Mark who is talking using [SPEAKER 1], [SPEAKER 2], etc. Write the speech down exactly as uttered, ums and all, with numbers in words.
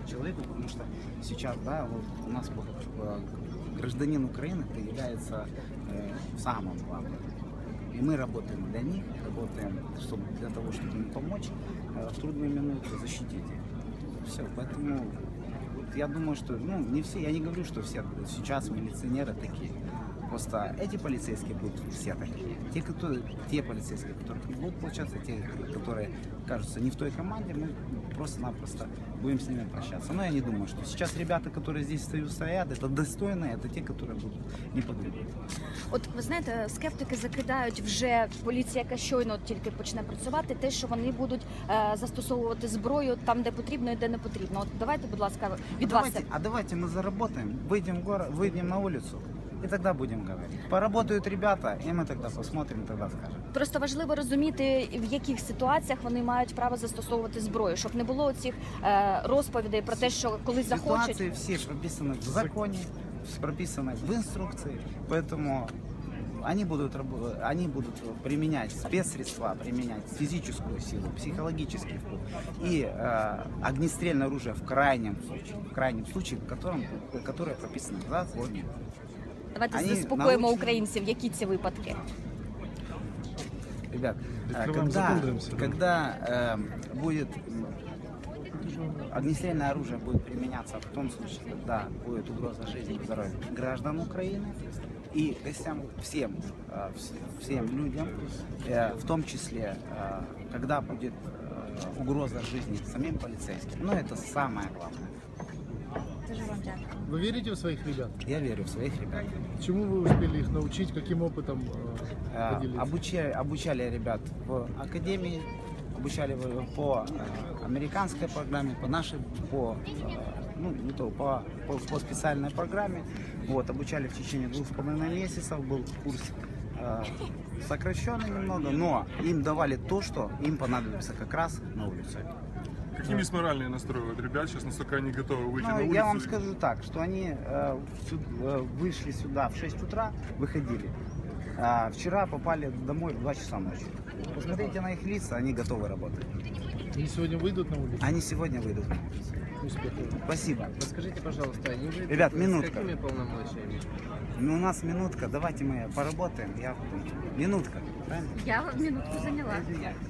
[SPEAKER 1] человеку, потому что сейчас, да, вот у нас э, гражданин Украины это является э, самым главным. И мы работаем для них, работаем чтобы, для того, чтобы им помочь э, в трудную минуту защитить их. Все, поэтому вот я думаю, что, ну, не все, я не говорю, что все сейчас милиционеры такие. Просто эти полицейские будут все такие. Те, которые, те полицейские, которые не будут получаться, те, которые кажутся не в той команде, мы просто-напросто будем с ними прощаться. Но я не думаю, что сейчас ребята, которые здесь стоят, это достойные, это те, которые будут не подумать.
[SPEAKER 2] От ви знаєте, скептики закидають вже поліція, яка щойно тільки почне працювати, те, що вони будуть е, застосовувати зброю там, де потрібно і де не потрібно. От давайте, будь ласка, від
[SPEAKER 1] а
[SPEAKER 2] вас.
[SPEAKER 1] Давайте, а давайте мы заработаем, выйдем в город, выйдем на улицу. И тогда будем говорить. Поработают ребята, и мы тогда посмотрим, тогда скажем.
[SPEAKER 2] Просто важливо розуміти, в яких ситуаціях вони мають право застосовувати зброю, щоб не було цих е, розповідей про те, що коли захочуть.
[SPEAKER 1] Ситуации все прописаны в законе, прописаны в инструкции, поэтому они будут, они будут применять спецсредства, применять физическую силу, психологический вплоть и э, огнестрельное оружие в крайнем случае, в крайнем случае, в котором, которое прописано в законе.
[SPEAKER 2] Давайте
[SPEAKER 1] Они
[SPEAKER 2] заспокоїмо
[SPEAKER 1] научены...
[SPEAKER 2] українців, які ці випадки.
[SPEAKER 1] Ребят, когда, когда э, будет огнестрельное оружие будет применяться в том случае, когда будет угроза жизни и здоровью граждан Украины и гостям, всем, э, всем людям, э, в том числе, э, когда будет э, угроза жизни самим полицейским. Но это самое главное.
[SPEAKER 3] Вы верите в своих ребят?
[SPEAKER 1] Я верю в своих ребят.
[SPEAKER 3] Чему вы успели их научить, каким опытом э, поделиться?
[SPEAKER 1] Обучали, обучали ребят в академии, обучали по э, американской программе, по нашей, по, э, ну, не то, по, по, по специальной программе. Вот, обучали в течение двух с половиной месяцев, был курс э, сокращенный немного, но им давали то, что им понадобится как раз на улице.
[SPEAKER 4] Какими есть моральные настрои вот ребят сейчас, насколько они готовы выйти
[SPEAKER 1] Ну,
[SPEAKER 4] на улицу?
[SPEAKER 1] я вам скажу так, что они э, сю- э, вышли сюда в шесть утра, выходили. А вчера попали домой в два часа ночи. Посмотрите на их лица, они готовы работать.
[SPEAKER 3] Они сегодня выйдут на улицу?
[SPEAKER 1] Они сегодня выйдут на улицу.
[SPEAKER 3] Успехов.
[SPEAKER 1] Спасибо.
[SPEAKER 5] Подскажите, пожалуйста, не вы
[SPEAKER 1] Ребят,
[SPEAKER 5] с
[SPEAKER 1] минутка.
[SPEAKER 5] какими полномочиями?
[SPEAKER 1] Ну, у нас минутка, давайте мы поработаем. Я... Минутка, правильно?
[SPEAKER 2] Я минутку зайняла.